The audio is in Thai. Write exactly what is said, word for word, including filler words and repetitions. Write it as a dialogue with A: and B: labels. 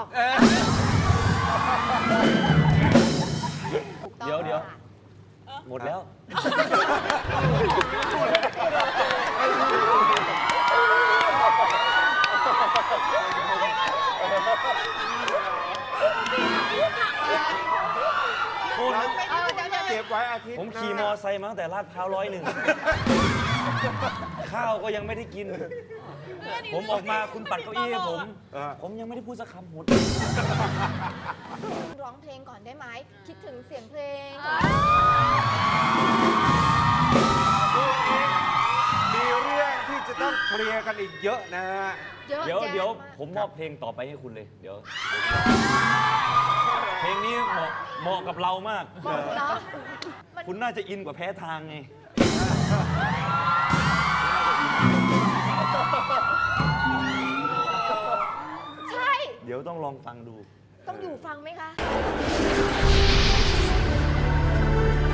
A: อกถูกต้อง
B: เดี๋ยวเดี๋ยว
A: ค่ะ
B: หมดแล้ว คุณ
A: เออเดี๋ยวเดี๋ยว
C: เก็บไว้อาทิตย์
B: ผมขี่มอไซค์มาตั้งแต่ลาดพร้าวร้อยหนึ่ง ข้าวก็ยังไม่ได้กิน ผมออกมาคุณปัดเก้าอี้ให้ผม ผมยังไม่ได้พูดสักคำหมด
A: ร้องเพลงก่อนได้ไหม คิดถึงเสียงเพลง
C: มีเรื่องที่จะต้องเคลียร์กันอีกเยอะนะฮะ
A: เยอะ
B: เดี๋ยว
A: แยะ
B: เดี๋ยว
A: มาก
B: ผมมอบเพลงต่อไปให้คุณเลย เดี๋ยว เพลงนี้เหมาะเหมาะกับเรามาก
A: บอกเนาะมัน
B: คุณน่าจะอินกว่าแพ้ทางไง
A: ใช่
B: เดี๋ยวต้องลองฟังดู
A: ต้องอยู่ฟังไหมคะ
C: เ